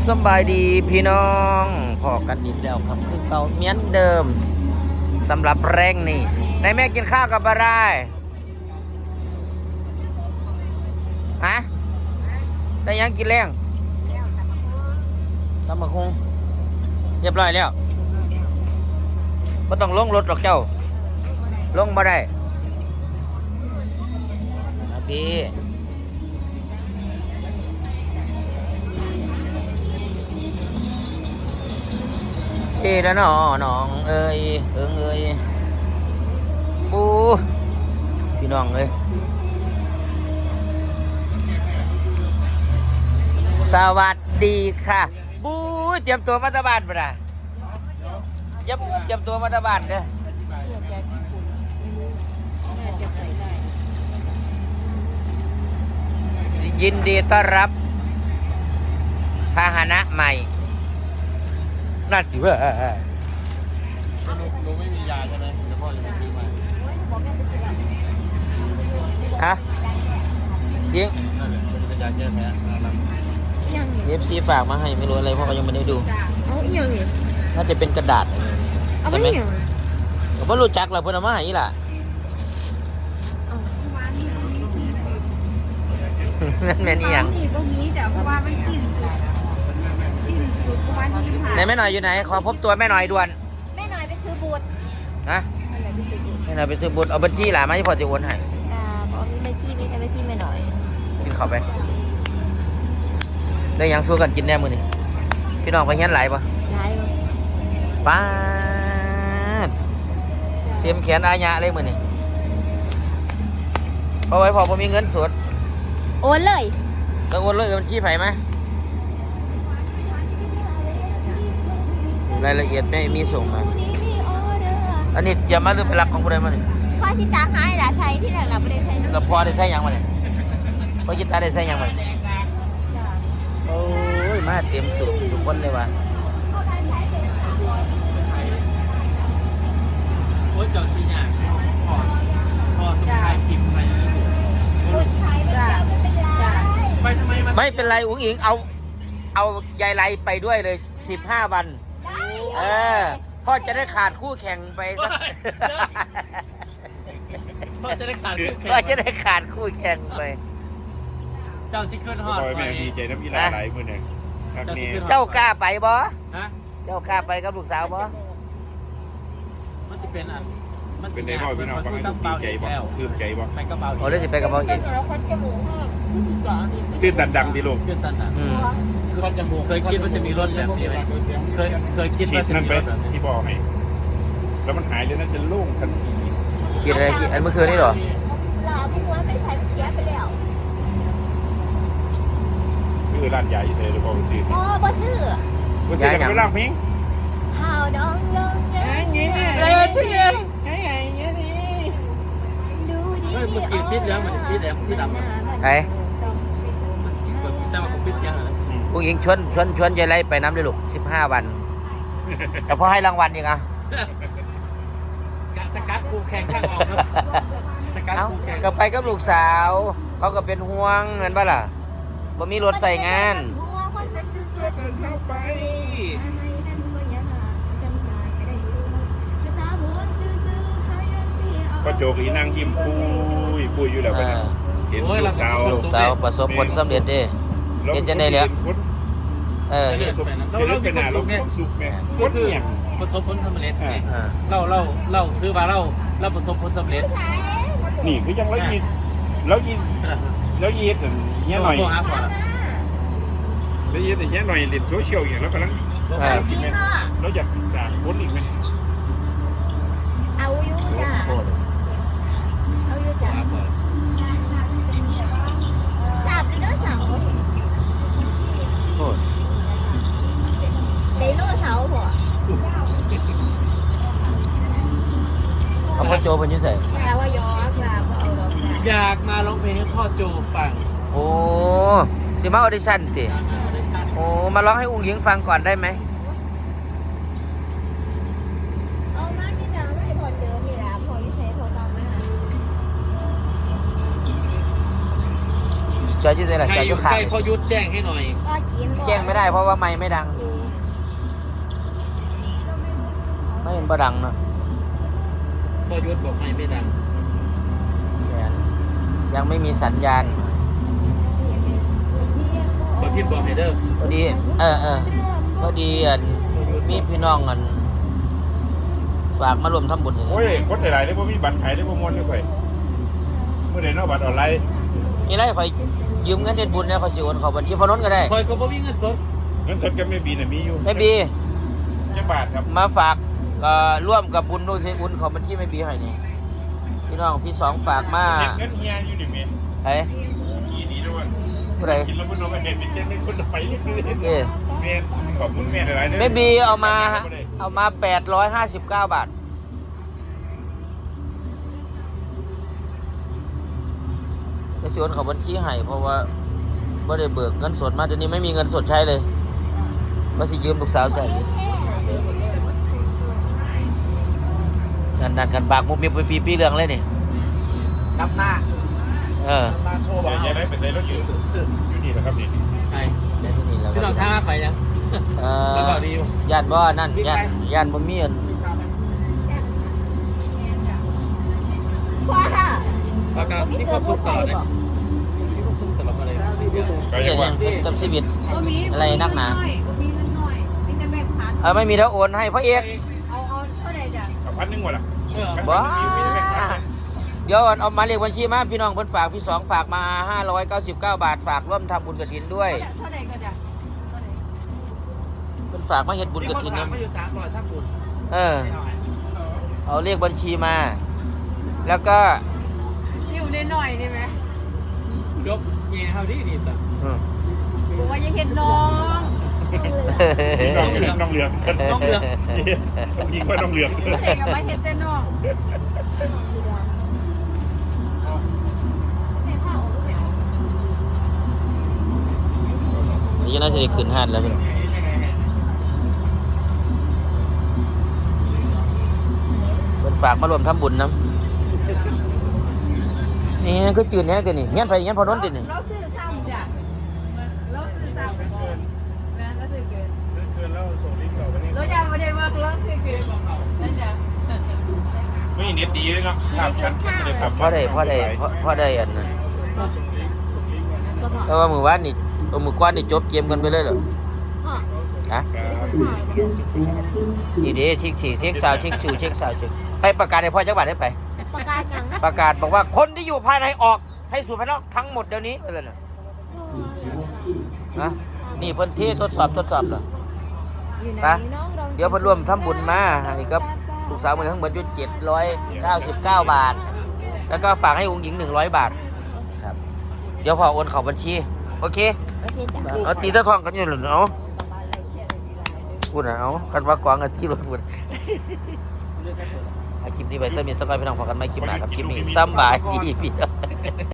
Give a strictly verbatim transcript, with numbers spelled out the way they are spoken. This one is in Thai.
สบายดีพี่น้องพอกันอีกแล้วครับคือเก่าเหมือนเดิมสำหรับแรงนี่ในแม่กินข้าวกับอะไรฮะได้ยังกินแรงตำบักหุ่งเรียบร้อยแล้วไม่ต้องลงรถหรอกเจ้าลงมาได้นะพี่เอ๋แล้วน้อน้องเอ้ยเอิงเอ้ยปูพี่น้องเอ้ยสวัสดีค่ะบูเตรียมตัวมาตาบานปะนะเตรียมเตรียมตัวมาตาบานเด้อยินดีต้อนรับพาหนะใหม่น่าจิ๋วหนูหนูไม่มียาใช่ไหมเดี๋ยวพ่อจะไปซื้อมาฮะยิงนั่นแหละเป็นยาแก้แพ้นะครับเอฟซีฝากมาให้ไม่รู้อะไรเพราะเขายังไม่ได้ดูเอาอีหยังนี่น่าจะเป็นกระดาษเอาไปอีหยังผมไม่รู้จักหรอกเพื่อนเอามาให้ล่ะนั่นแม่นี่ยังนี่บ่มีแต่เพราะว่ามันสิ้นสุดสิ้นสุดประมาณยี่สิบห้าไหนแม่หน่อยอยู่ไหนขอพบตัวแม่หน่อยด่วนแม่หน่อยไปซื้อบูทนะแม่หน่อยไปซื้อบุตรเอาบัญชีหล่ะมาที่พอจะโอนให้อ่าพอมีแม่ซี่มีแต่แม่ซี่แม่หน่อยกินข้าวไปได้ยังสู้กันกินแน่มือนี่พี่น้องไปเฮี้ยนไหลปะไหลป้าเตรียมแขนอาญะเลยมือนี่พอไว้พอผมมีเงินสดโอนเลยแล้วโอนเลยบัญชีไผ่ไหมรายละเอียดไม่มีส่งมาอันนี้เตรียมมาหรือเป็นหลักของผู้ใดมาเนี่ยพ่อชิตาหายด่าใช้ที่ไหนเราไม่ได้ใช้แล้วพ่อได้ใช้ยังมาเนี่ยพ่อจิตาได้ใช้ยังมาเนี่ยโอ้ยมาเตรียมสูตรทุกคนเลยว่ะโอ้ยเจ้าที่เนี่ยพ่อพ่อสมัยทิมไปไปทำไมไม่เป็นไรอุ้งอิงเอาเอายายไรไปด้วยเลยสิบห้าวันเออพ่อจะได้ขาดคู่แข่งไปสักพ่อจะได้ขาดคู่แข่งพ่อจะได้ขาดคู่แข่งไปเจ้าซิเคิลฮอตแม่ดีใจน้ำยีหลายหลายมือเนี่ยครับนี่เจ้ากล้าไปบ่ฮะเจ้ากล้าไปกับลูกสาวบ่มันจะเป็นอ่ะมันเป็นได้บ่พี่น้องฟังให้ดูดีใจบ่คืมใจบ่ไปกระเป๋าโอ้เลยสิไปกับบ่อีกตื่นตันดังดีลูกตื่นตันดังคือจมูกเคยคิดว่าจะมีรถแบบนี้ไหมเคยเคยคิดว่าจะมีรถแบบนี้ที่บอกให้แล้วมันหายเลยน่าจะโล่งทันทีคิดอะไรคิดอันเมื่อคืนนี่หรอลาพวกว่าไม่ใช้เสียไปแล้วคือร้านใหญ่เลยหรือเปล่าซื้ออ๋อบ่ซื้อว่าจะไปร้านพิงหาวน้องน้องไงไงเลยที่ไงไงไงไงนี่ดูดิเฮ้ยเมื่อกี้ติดแล้วมันติดแล้วติดดำไอ้แต่ว่าผมปิดเสียงแล้วผู้หญิงชวนชวนชวนยายไรไปน้ำเลยลูกสิบห้าวันแต่พอให้รางวัลยังอ่ะสกัดกูแข่งข้างออกครับสกัดกูแข่งก็ไปกับลูกสาวเขาก็เป็นห่วงเงินป่ะล่ะบ่มีรถใส่งานก็โจกอีนั่งยิ้มปุ้ยปุ้ยอยู่แล้วกันเห็นลูกสาวลูกสาวประสบผลสำเร็จเด้เห็นจะได้แล้วเออเราเราเป็นคนสุขเนี่ยก็คือประสบผลสำเร็จไงเราเราเราคือว่าเราเราประสบผลสำเร็จนี่คือยังแล้วยินแล้วยินแล้วยินเงี้ยหน่อยแล้วยินเงี้ยหน่อยเล่นโซเชียลอย่างแล้วกำลังแล้วอยากสร้างคนอีกไหมเอาอยู่จ้ะเอาอยู่จ้ะจับไดโนเสาร์ไดโนเสาร์บ่เอาพ่อโจเป็นยังไงแปลว่ายอกล่ะบ่เอาดอกอยากมาร้องเพลงให้พ่อโจฟังโอ้สิมาออดิชั่นติโอ้มาร้องให้อุ้งหญิงฟังก่อนได้ไหมเอามาที่จะไม่พอเจอมีแล้วพอยิ่งใช้พอฟังไหมคะจอยที่ไหนล่ะใครจอยออยู่ยู่ข้างใกล้พอยุดแจ้งให้หน่อยก็กินก่อนแจ้งไม่ได้เพราะว่าไม้ไม่ดัง ไม่เห็นบ่ดังเนาะพอยุดบอกไม่ไม่ดังยังไม่มีสัญญาณพอพิมพ์บอกให้เด้อพอดี เออเออพอดีอันมีพี่น้องอันฝากมารวมทำบุญอย่างโอ้นี้ยคนหลายๆเลยบ่มีบัตรขายได้บ่ม่วนเลยข่อยเมื่อใดเนาะบัตรออนไลน์มีอะไรคอยยืมเงินเด็ดบุญเนี่ยคอยสิโอนเข้าบัญชีพอน้นก็ได้คอยก็บ่มีเงินสดเงินสดก็ไม่มีน่ะมีอยู่ไม่บีจักบาทครับมาฝากก็ร่วมกับบุญดูสิบุญของบัญชีไม่บีให้นี่พี่น้องพี่สองฝากมาเงินเฮียอยู่นี่แม่เฮ้ยกี่ดีด้วยผู้ใดกินแล้วบ่นมเห็นเป็นจังได๋คนไปนี่คือเอ้ยแม่ขอบคุณแม่หลายๆเด้อไม่บีเอามาเอามาแปดร้อยห้าสิบเก้าบาทไปสิโอนเข้าบัญชีให้เพราะว่าไม่ได้เบิกเงินสดมาเดี๋ยวนี้ไม่มีเงินสดใช้เลยก็สิยืมลูกสาวใส่ดันดันกันปากมุกมีปีปีปีเรื่องเลยนี่นับหน้าเออหน้าโชว์เดี๋ยวยายได้ไปใส่รถอยู่อยู่นี่แหละครับนี่ใช่ได้ที่นี่แล้วพี่น้องท่าไปยังเอมันอก็ดีอยู่ญาติบ่นั่นญาติญาติบ่มีอันว้าปากกานี่ก็สุกตลอดเลยนี่ก็สุกตลอดอะไรก็เกียัยงรว่าติกับชีวิตบ่มีอะไรนักหนาบ่มีเงินหน่อยมีแต่แบงค์พันเออไม่มีแล้วโอนให้พ่อเอกเอาเอาเท่าไหร่เดี๋ยวเอาพันหนึงว่ะล่ะเออบ้าเดี๋ยวเอามาเรียกบัญชีมาพี่น้องเพิ่นฝากพี่สองฝากมาห้าร้อยเก้าสิบเก้าบาทฝากร่วมทำบุญกฐินด้วยเท่าไหร่ก็เดี๋ยวเท่าไหร่เพิ่นฝากมาเฮ็ดบุญกฐินนะนะไม่อยู่สามร้อยทั้งบุญเออ เอาเรียกบัญชีมา แล้วก็อยู่ในหน่อยได้ไหมยกแง่เฮาดีดีต่ออืมบอกว่าอย่าเห็นน้องน้องเหลืองน้องเหลืองซะน้องเหลืองยิงว่าน้องเหลืองซะเด็กกับไม่เห็นแต่น้องในผ้าออกไปเอานี่น่าจะได้ขึ้นห้านแล้วพี่น้องเพิ่นฝากมารวมทำบุญนํนี่คือจืดแฮะกันนี่เงี้ยไปเงี้ยพอน้นตินี่เราซื้อซ้ำจ้ะเราซื้อซ้ำแม่เราซื้อเกินเกินแล้วส่งลิงก์ต่อไปนี่เราอยากมาได้เวิร์กเราซื้อเกินนั่นจ้ะไม่เน็ตดีเลยเนาะครับกันไม่ได้ครับพอได้พอได้พอพอได้อันนั้นแต่ว่ามือวานนี่เอามือกวานนี่จบเกมกันไปเลยเหรอฮะครับนี่เด้เช็คสี่เช็คสาวเช็คสูเช็คสาวเช็คไปประกาศให้พ่อจังหวัดได้ไปประกาศยังประกาศบอกว่าคนที่อยู่ภายในออกให้สู่ภายนอกทั้งหมดเดี๋ยวนี้อะไรน่ะนะนี่เพิ่นที่ทดสอบทดสอบเหรอปะเดี๋ยวเพิ่นร่วมทำบุญมาอันนี้ก็ลูกสาวมันทั้งหมดอยู่เจ็ดร้อยเก้าสิบเก้าบาท แล้วก็ฝากให้องค์หญิงหนึ่งร้อยบาทครับเดี๋ยวพอโอนเข้าบัญชีโอเคโอเคจ้ะเอาตีตะทองกันอยู่หรือเอาพูดนะเอากันว่ากวางกันที่รถพูดคลิปนี้ไปเสมิสกอยพี่น้องพอกันไหมคลิปหน้าครับคลิปนี้สำบายดีพี่น้อง